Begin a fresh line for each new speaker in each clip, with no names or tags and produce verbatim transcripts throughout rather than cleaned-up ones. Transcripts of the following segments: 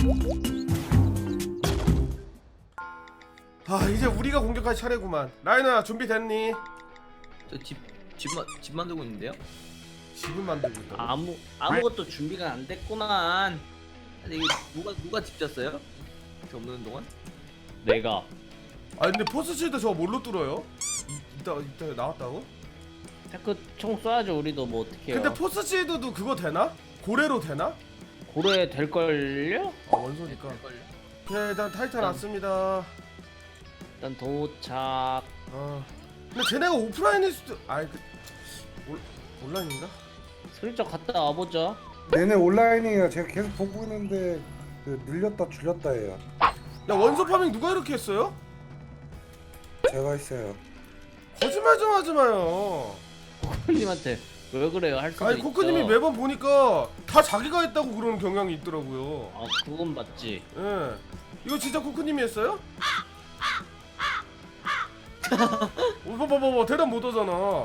아 이제 우리가 공격할 차례구만. 라이너야 준비됐니?
저집 집만 집 만들고 있는데요?
집을 만들고 있다고?
아무 아무것도 준비가 안 됐구만. 아니 이거 누가 누가 집 졌어요? 저 없는 동안?
내가.
아 근데 포스실드 저거 뭘로 뚫어요? 이, 이따 이따 나왔다고?
테크 총 쏴야죠. 우리도 뭐 어떻게 해요.
근데 포스실드도 그거 되나? 고래로 되나?
고래 될걸요?
아 원소니까.
될걸요?
오케이 일단 타이탄
일단-
왔습니다.
일단 도착.
어. 근데 쟤네가 오프라인일 수도. 아이 그 올, 온라인인가?
슬쩍 갔다 와보자.
얘네 온라인이에요. 제가 계속 보고 있는데 그 늘렸다 줄였다 해요.
야 원소 파밍 누가 이렇게 했어요?
제가 있어요.
거짓말 좀 하지 마요.
코코님한테 왜 그래요? 할 수도
아니
있죠.
코크님이 매번 보니까 다 자기가 했다고 그러는 경향이 있더라고요.
아 그건 맞지.
예. 이거 진짜 코크님이 했어요? 어, 봐봐봐봐 대답 못 하잖아.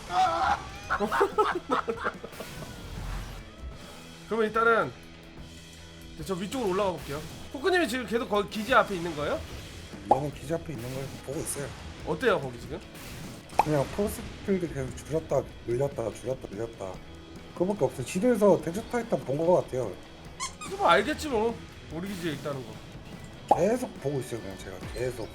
그러면 일단은 저 위쪽으로 올라가 볼게요. 코크님이 지금 계속 거기 기지 앞에 있는 거예요?
얘는 기지 앞에 있는 걸 보고 있어요.
어때요 거기 지금?
그냥 포스필드 계속 줄였다 늘렸다 줄였다 늘렸다. 그거밖에 없어요. 지도에서 대저 타이탄 본 거 같아요.
그거 뭐 알겠지 뭐. 우리 기지에 있다는 거.
계속 보고 있어요. 그냥 제가 계속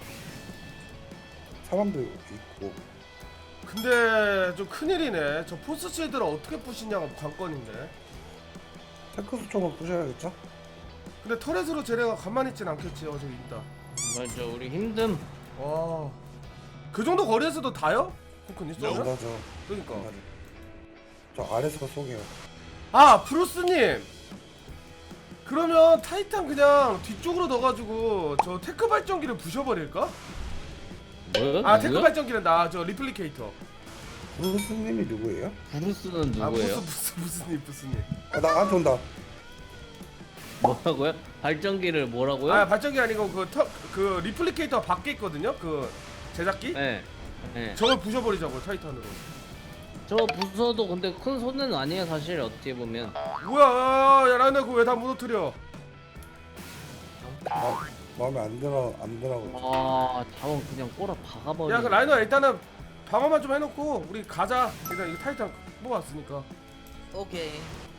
사람도 있고.
근데 좀 큰일이네. 저 포스실드를 어떻게 부시냐가 관건인데.
테크 수총을 부셔야겠죠?
근데 터렛으로 쟤네가 가만히 있진 않겠지. 어 저기 있다.
맞아. 우리 힘듦.
와. 그 정도 거리에서도 다요? 코크님
안
쏘면?
가죠.
그러니까.
안 가죠. 저 아래서 쏘게요.
아 브루스님. 그러면 타이탄 그냥 뒤쪽으로 넣어가지고 저 테크 발전기를 부셔버릴까?
뭐요?
아 테크
누구요?
발전기는 나 저 리플리케이터.
브루스님이 누구예요?
브루스는
아
누구예요?
무스 무스 무스님 무스님.
아, 나한테 온다.
뭐라고요? 발전기를 뭐라고요?
아 발전기 아니고 그 터 그 리플리케이터 밖에 있거든요. 그 제작기.
네. 네.
저걸 부셔버리자고 타이탄으로.
저 부서도 근데 큰 손해는 아니에요 사실 어떻게 보면.
뭐야? 야 라이너 그거 왜 다 무너뜨려?
마, 마음에 안 들어 안 들어.
아 자원 그냥 꼬라 박아버려.
야 그 라이너 일단은 방어만 좀 해놓고 우리 가자. 일단 이거 타이탄 뽑았으니까.
오케이.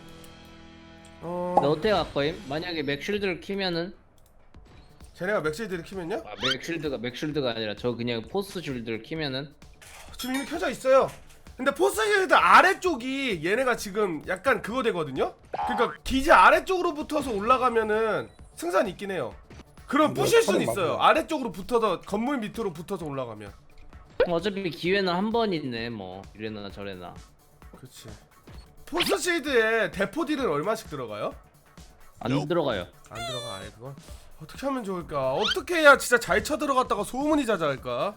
어.
근데 어떻게 갈 거임? 만약에 맥쉴드를 키면은
쟤네가 맥시드를 키면요?
아 맥쉴드가 맥쉴드가 아니라 저 그냥 포스 쉴드를 키면은
지금 이미 켜져 있어요. 근데 포스실드 아래쪽이 얘네가 지금 약간 그거 되거든요? 그러니까 기지 아래쪽으로 붙어서 올라가면은 승산이 있긴 해요. 그럼
근데
부실 수는
털은
있어요.
맞아요.
아래쪽으로 붙어서 건물 밑으로 붙어서 올라가면.
어차피 기회는 한 번 있네 뭐 이래나 저래나.
그렇지. 포스실드에 대포딜은 얼마씩 들어가요?
안 들어가요.
안 들어가 아예 그건. 어떻게 하면 좋을까? 어떻게 해야 진짜 잘 쳐 들어갔다가 소문이 자자할까?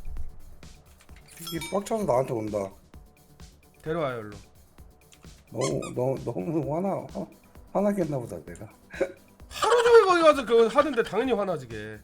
이게 빡쳐서 나한테 온다.
데려와요 일로.
너무 너무 너무 화나 화, 화나겠나 보다 내가.
하루 종일 거기 가서 그거 하는데 당연히 화나지게.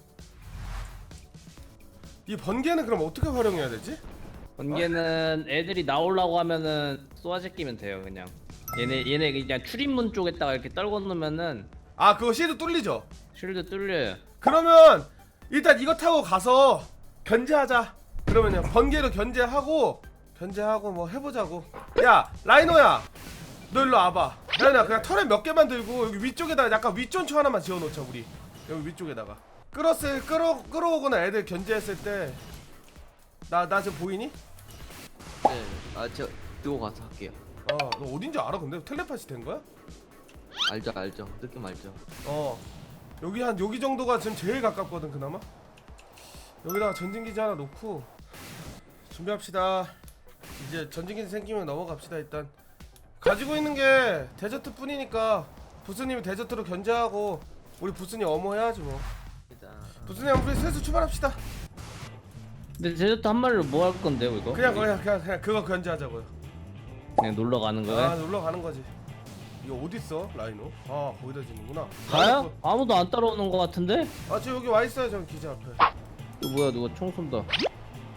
이 번개는 그럼 어떻게 활용해야 되지?
번개는 애들이 나오려고 하면은 쏘아제 끼면 돼요 그냥. 얘네 얘네 그냥 출입문 쪽에다가 이렇게 떨궈 놓으면은
아 그거 시드 뚫리죠?
쉴드 뚫려요.
그러면 일단 이거 타고 가서 견제하자. 그러면요 번개로 견제하고 견제하고 뭐 해보자고. 야 라이노야 너 일로 와봐. 라이노야 그냥 털에 몇 개만 들고 여기 위쪽에다가 약간 윗전초 하나만 지어놓자 우리. 여기 위쪽에다가 끌었을 끌어 끌어오거나 애들 견제했을 때 나 나 지금 보이니?
네. 아 제가 들고 가서 할게요.
어 너 어딘지 알아 근데 텔레파시 된 거야?
알죠 알죠. 느낌 알죠.
어 여기 한 여기 정도가 지금 제일 가깝거든 그나마. 여기다가 전진기지 하나 놓고 준비합시다. 이제 전진기지 생기면 넘어갑시다. 일단 가지고 있는 게 데저트 뿐이니까 부스님이 데저트로 견제하고 우리 부스님 어머해야지 뭐.
일단
부스님 우리 슬슬 출발합시다.
근데 제주도 한 마리로 뭐 할 건데요 이거?
그냥 그냥 그냥, 그냥 그거 견제하자고요.
그냥 놀러 가는 거예요?
아 놀러 가는 거지. 이거 어디 있어 라이노? 아 거기다 지는구나.
가요? 아무도 안 따라오는 거 같은데?
아 지금 여기 와 있어요 저 기지 앞에.
이거 뭐야 누가 총 쏜다.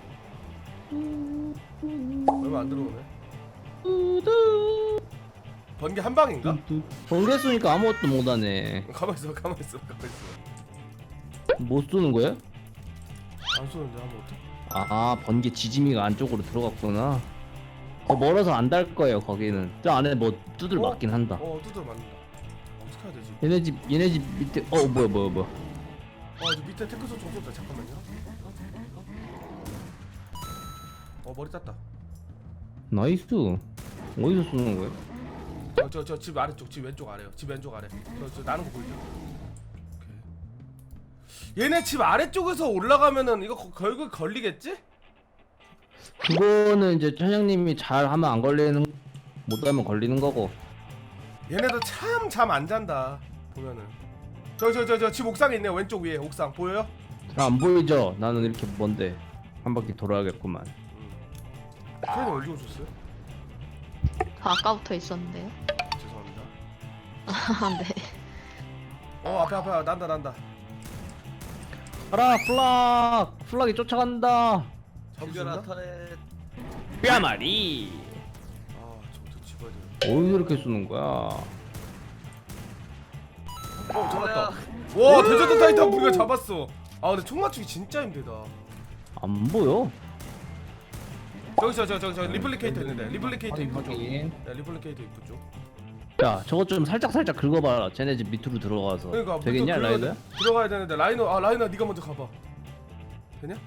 얼마 안 들어오네.
우두
번개 한 방인가?
번개 쏘니까 아무것도 못하네.
가만 있어, 가만 있어, 가만 있어.
못 쏘는 거야?
안 쏘는데 아무것도?
아 번개 지짐이가 안쪽으로 들어갔구나. 더 멀어서 안 닿을 거예요 거기는. 저 안에 뭐 두들
어?
맞긴 한다.
어, 두드려 맞는다. 어떻게 해야 되지?
얘네 집 얘네 집 밑에 어 뭐야 뭐야 뭐야.
어, 저 밑에 테크소 좀 쏜다. 잠깐만요. 어, 머리 땄다.
나이스. 어디서 쏘는 거야?
저 저 저 집 아래쪽, 집 왼쪽 아래요. 집 왼쪽 아래. 저 저 나는 거 보이죠? 오케이. 얘네 집 아래쪽에서 올라가면은 이거 거- 결국 걸리겠지?
그거는 이제 차장님이 잘 하면 안 걸리는, 못하면 걸리는 거고.
얘네도 참 잠 안 잔다. 보면은. 저 저 저 저 집 옥상에 있네요. 왼쪽 위에 옥상 보여요?
잘 안 보이죠? 나는 이렇게 먼데 한 바퀴 돌아야겠구만.
크레인 언제 오셨어요?
저 아까부터 있었는데요.
죄송합니다.
아, 네.
어, 앞에 앞에 난다 난다.
가라 플락! 플락이 쫓아간다.
잡을 수
죽여라
있나?
터렛.
뼈마리.
아, 저부터 집어야 돼.
어디서 이렇게 쏘는 거야?
어, 잡았다. 와, 대저드 타이탄 우리가 잡았어. 아, 근데 총 맞추기 진짜 힘들다.
안 보여.
저기 저 저 저 저 리플리케이터 있는데. 리플리케이터 입구 쪽.
확인.
네, 리플리케이터 입구 쪽.
야 저거 좀 살짝 살짝 긁어봐라. 쟤네 집 밑으로 들어가서.
그러니까
되겠냐
먼저
라이더야?
들어가- 들어가야 되는데 라이너 아 라이너 네가 먼저 가봐. 되냐?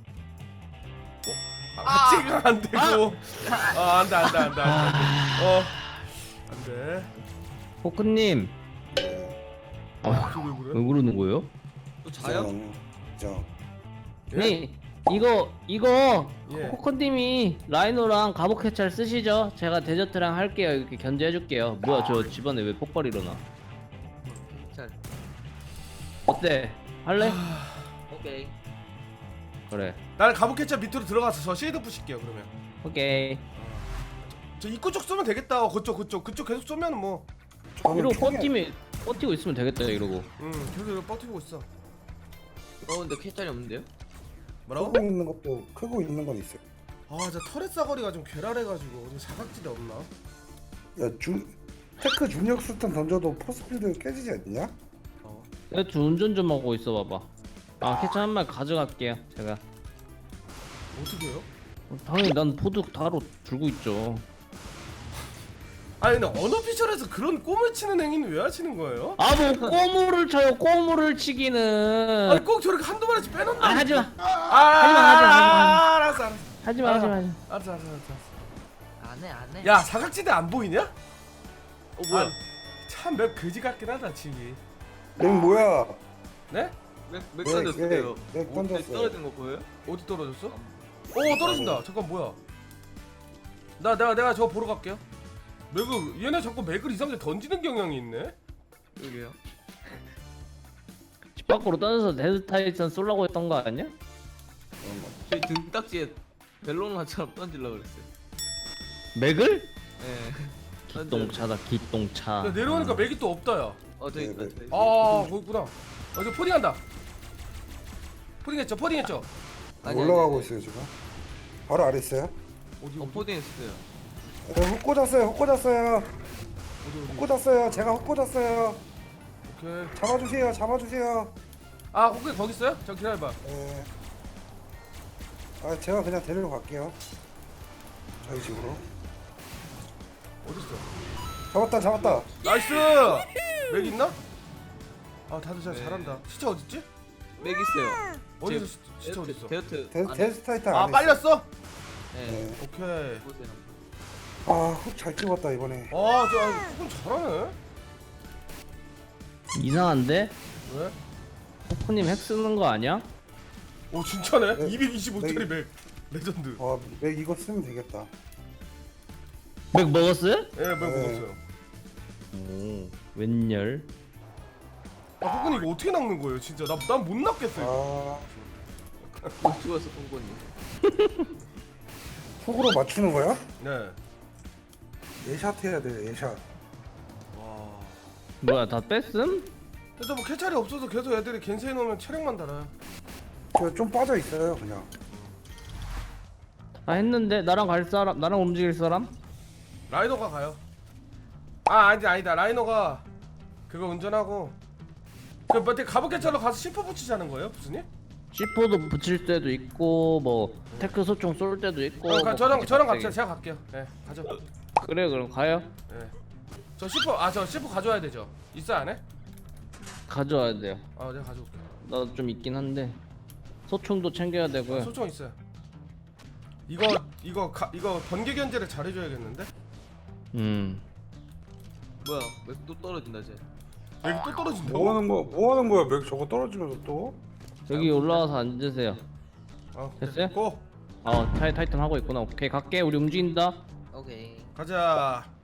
어? 아, 같이가 안 되고. 아, 안돼 안돼 안돼 안돼. 어, 안돼.
포크님
아, 저왜
왜
그래?
그러는 거예요?
또 자요?
저
예?
네 이거 이거
예.
포크님이 라이노랑 갑옷 해찰 쓰시죠? 제가 데저트랑 할게요. 이렇게 견제해줄게요. 뭐야 저 집안에 왜 폭발 일어나?
잘.
어때? 할래?
오케이.
그래.
나는 가부캐차 밑으로 들어가서 저 쉐이드 부실게요 그러면.
오케이.
저 입구 쪽 쏘면 되겠다. 어, 그쪽 그쪽 그쪽 계속 쏘면 뭐.
저는
이러고
총이-
버티면 버티고 있으면 되겠다 이러고.
응, 계속 이거 버티고 있어.
어 근데 캐짤이 없는데요?
뭐라고?
크고 있는 것도 크고 있는 건 있어요.
아, 저 터렛 사거리가 좀 괴랄해가지고 어디 사각지대 없나?
야주 테크 중력 수탄 던져도 포스필드 깨지지 않냐?
어.
내가 주 운전 좀 하고 있어 봐봐. 아 캐치 한 말 가져갈게요 제가.
어떻게 해요?
어, 당연히 난 포드 다로 들고 있죠.
아니 근데 언어피셜에서 그런 꿈을 치는 행위는 왜 하시는 거예요?
아 뭐 꼬무를 쳐요. 꼬무를 치기는.
아니 꼭 저렇게 한두 마리씩 빼놓는다.
아 하지마.
아,
하지마, 하지마, 하지마.
알았어 알았어.
하지마
아,
하지마.
알았어 알았어 알았어.
안해 안해.
야, 사각지대 안 보이냐?
어 뭐야?
참 맵 그지 같긴 하다 집이.
랭 뭐야?
네?
맥, 맥
네,
던졌어요.
네,
어,
맥 던졌어요.
떨어진 거 보여요?
어디 떨어졌어? 오, 떨어진다. 잠깐 뭐야? 나 내가 내가 저거 보러 갈게요. 맥을 얘네 자꾸 맥을 이상하게 던지는 경향이 있네.
여기요.
집 밖으로 떠나서 데드 타이탄 쏠라고 했던 거 아니야?
저희 등딱지에 벨로나처럼 던질라 그랬어요.
맥을?
예.
기똥차다 기똥차.
야, 내려오니까 맥이 또 없다 야.
어 저기
네,
있다.
네.
저기.
아, 거기 있구나. 어, 저 포딩한다. 포딩했죠, 포딩했죠.
아니, 아니,
올라가고
아니.
있어요 지금. 바로 아래 있어요.
어디
어
어디
포딩 했어요.
네, 훅 꽂았어요. 훅 꽂았어요.
어디
훅
어디.
꽂았어요. 제가 훅 꽂았어요.
오케이.
잡아주세요. 잡아주세요.
아, 혹시 거기 있어요? 저 기다려봐.
네. 아 제가 그냥 데리러 갈게요. 저희 집으로.
어디 있어?
잡았다 잡았다.
나이스. 맥 있나? 아, 다들 잘
네.
잘한다. 시체 어디 있지?
맥 있어요.
어디서
제-
시- 시체 어디 있어?
데어트.
데,
안에.
데스타이탄
아,
안에
빨렸어?
네.
네.
오케이.
보세요.
아훅 잘 찍었다 이번에.
아, 저 아, 조금 잘하네.
이상한데?
왜?
포크님 핵 쓰는 거 아니야?
오, 진짜네.
네.
이백이십오 짜리
네.
맥. 레전드.
와맥 이거 쓰면 되겠다.
맥 먹었어요?
예, 맥
네.
먹었어요.
오 웬열?
아, 호근이 이거 어떻게 낚는 거예요, 진짜? 나 난 못 낚겠어요.
아
못 죽었어 뽕권님.
훅으로 맞추는 거야?
네.
예샷 해야 돼 예샷.
와.
뭐야 다 뺐음?
일단 뭐 캐찰이 없어서 계속 애들이 겐세이 놓으면 체력만 달아요.
저 좀 빠져 있어요 그냥.
다 했는데 나랑 갈 사람 나랑 움직일 사람?
라이더가 가요. 아 아니 아니다 라이너가 그거 운전하고 그 뭐지 가부캐처럼 가서 시퍼 붙이자는 거예요 부스님?
씨포도 붙일 때도 있고 뭐 테크 소총 쏠 때도 있고.
어, 가,
뭐
저랑
각기
저랑
각색이.
갑시다. 제가 갈게요. 예, 가죠.
그래 그럼 가요.
예. 저 시퍼 아저 시퍼 가져와야 되죠. 있어 안 해?
가져와야 돼요.
어, 내가 가져올게.
나도 좀 있긴 한데 소총도 챙겨야 되고요.
아, 소총 있어요. 이거 이거 가, 이거 번개 견제를 잘해줘야겠는데?
음.
뭐야? 왜 또 떨어진다 쟤?
여기 또 떨어진다고?
뭐 하는 거야? 뭐 하는 거야? 맥 저거 떨어지면서 또?
여기 올라와서 앉으세요.
어,
됐어요?
고
어 타이 타이탄 하고 있구나. 오케이 갈게. 우리 움직인다.
오케이.
가자.